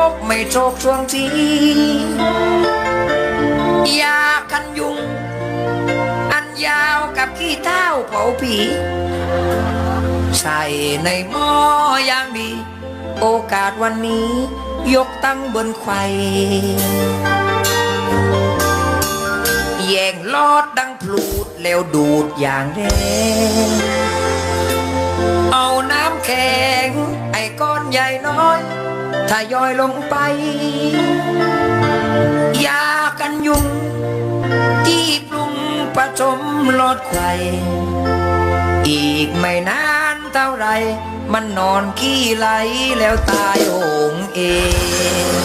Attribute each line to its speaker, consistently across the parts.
Speaker 1: กไม่โชกช่วงทียากันยุงอันยาวกับขี้เท้าเผาผีใส่ในหม้ออย่างดีโอกาสวันนี้ยกตั้งบนไข่แย่งลอดดังพลูดแล้วดูดอย่างแรงเอาน้ำแข็งไอ้ก้อนใหญ่น้อยถ้าย่อยลงไปยากันยุงที่ปรุงผสมลดไข่อีกไม่นานเท่าไรมันนอนขี้ไหลแล้วตายโหงเอง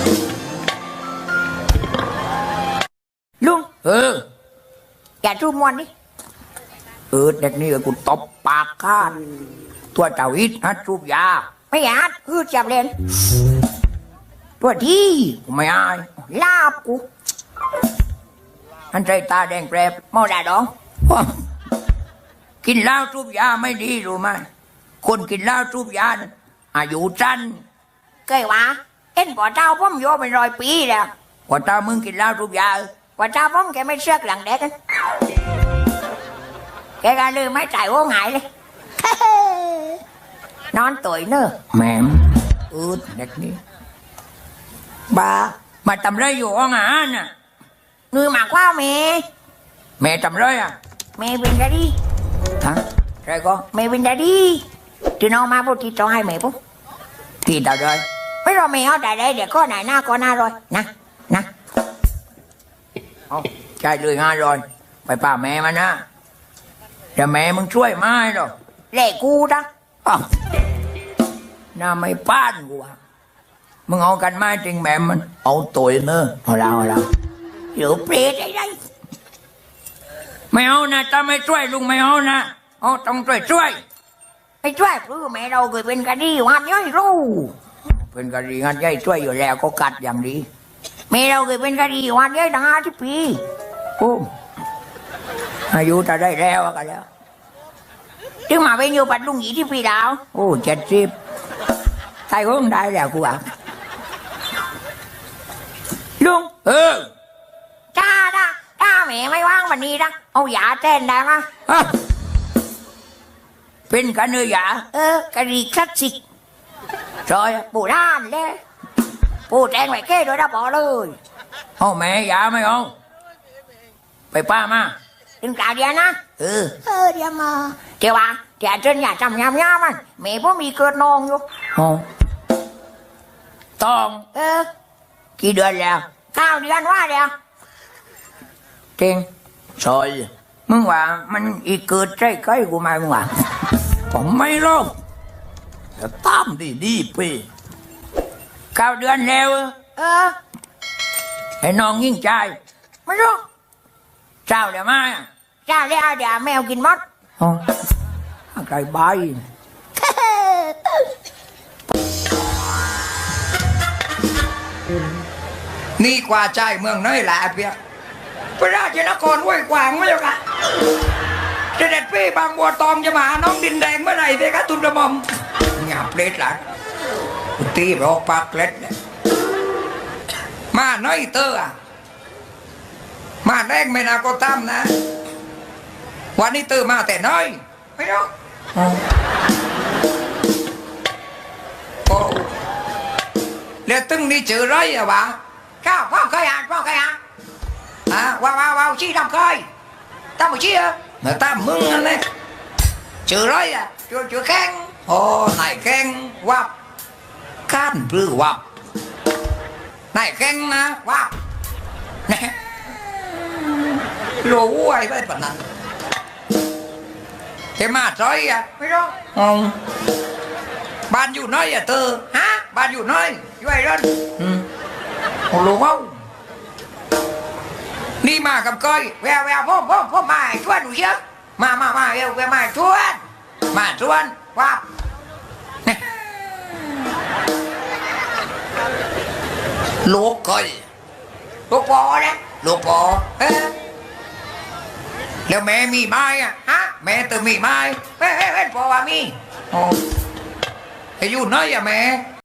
Speaker 2: ลุง
Speaker 1: อย่าจูบมวนดิเด็กนี่กูตบปากข้านตัวเจ้าอิดฮัดจูบยา
Speaker 2: ไม่อยากจับเล่น
Speaker 1: ตัวที่ไม่อาย
Speaker 2: ลาบกู
Speaker 1: อันใจตาแดงแปรบ
Speaker 2: เมาด่าดอง
Speaker 1: กินเหล้าจูบยาไม่ดีรู้ไหมคนกินเหล้าจูบยาอายุสั้น
Speaker 2: เคยว่าเอ็นป่อเจ้าพ่อมโยเป็น100 ปีแล้ว
Speaker 1: กว่าตามึงกินเหล้าจูบยา
Speaker 2: ป่อเจ้าพ่อมแกไม่เชือกหลังเด็กกันแกก็ลืมไม่จ่ายโอ้หายเลยนอนตุ๋ยเนอะ
Speaker 1: แม่มเด็กนี้บ้ามาทำไรอยู่ห้องอาหารน่ะ
Speaker 2: นือหมากว่า
Speaker 1: แม่ทำไรอ่ะ
Speaker 2: แม่เป็นกะดี
Speaker 1: ฮะใช่ก็
Speaker 2: แม่เป็นกะดีที่น้องมาพูดที่ต้องให้แม่ปุ๊บ
Speaker 1: ที่ตาเลย
Speaker 2: ไม่รอแม่เอาแต่ได้เดี๋ยวก็ไหนหน้าก็หน้ารอยนะ
Speaker 1: เอาใช่เลย500ไปป่าแม่มันนะแต่แม่มึงช่วยไม่หรอก
Speaker 2: เล่กูนะ
Speaker 1: น่าไม่ป้านกูอ่ะมึงเอากันมาจริงแม่มันเอาตัวเนอะเอาเรา
Speaker 2: เดี๋ยวเปรตไอ้ไร
Speaker 1: ไม่เอานะถ้าไม่ช่วยลุงไม่เอานะเอาต้องช่วย
Speaker 2: ไม่ช่วยคือแม่เราเคยเป็นคดีวันย่อยรู้
Speaker 1: เป็นคดีงั้นย่อยช่วยอยู่แล้วก็กัดอย่างดี
Speaker 2: แม่เราเคยเป็นคดีวันย่อยตั้ง50 ปี
Speaker 1: โอ้อายุจะได้แล้วกันแล้ว
Speaker 2: ถึงมาเป็นอยู่ปัดลุง20 ปีแล้ว
Speaker 1: โอ้70ตายคงได้แล้วกูอ่ะ
Speaker 2: ลุงจ้าแม่ไม่ว่างวันนี้นะเอายาแทนได้ไหม
Speaker 1: เป็นกันเนื้อย
Speaker 2: ากะดีคลาสสิก
Speaker 1: จอย
Speaker 2: ปูด้านเลยปูแทงไว้แค่โดยดับบอกเลย
Speaker 1: เอาแม่ยาไม่เอาไปป้ามา
Speaker 2: ถึงกล่าวเดียวนะเดี๋ยวมาเดี๋ยวเจนอย่าจำยำมันแม่พ่อมีเกิดนองอยู่
Speaker 1: ต้องกี่เดือนแล้ว
Speaker 2: 9 เดือนว่าเดียว
Speaker 1: จริงซอยมึงว่ามันอีกเกิดใจใกล้กูมามึงว่าผมไม่รอกจะตามดีไป9 เดือนแล้วให้น้องยิ่งใจ
Speaker 2: ไม่รู้
Speaker 1: เจ้าเดี๋ยวมา
Speaker 2: เจ้าเดี๋ยวแมวกินมด
Speaker 1: ไก่ใบนี่กว่าใจเมืองน้อยแหละเพียพระราชนครห้วยขวางไม่หรอกอะเสด็จพี่บางบัวตองจะมาน้องดินแดงเมื่อไหร่เพคะทุนกระหม่อมหยาบเล็ดหลังตีรอกปากเล็ดเนี่ยมาน้อยเตอร์มาแรกไม่นาก็ตามนะวันนี้เตอร์มาแต่น้อยไม่รู้โอ้แล้วตึงนี่เจอไรอะวะ
Speaker 2: ข้าวพ่อเคยอ่านว้าวชี้ทำเคยทำชี้
Speaker 1: เหมือนตามมึงนั่นเลยเจอไรอะ
Speaker 2: เจอแข้ง
Speaker 1: โอ้นายแข้งวับก้านปลื้อวับนายแข้งนะวับเนี่ยรู้ไว้ไปปะนั้นเห็นมาจอยอะ
Speaker 2: ไม่รู้
Speaker 1: บ้านอยู่น้อยอะเธอบ้านอยู่น้อย
Speaker 2: อยู่ไอ้รุ่น
Speaker 1: โอ้รู้มั้งนี่มากับก้อย
Speaker 2: แววพ่อมาชวนหนูเยอะมาแววมาชวนว้า
Speaker 1: ลูกก้อย
Speaker 2: ลูกปอนะ
Speaker 1: ลูกปอแล้วแม่มีไม้อะแม่ตื่นมีไม้
Speaker 2: เฮ้ยปอว่ามี
Speaker 1: อยู่น้อยอะแม่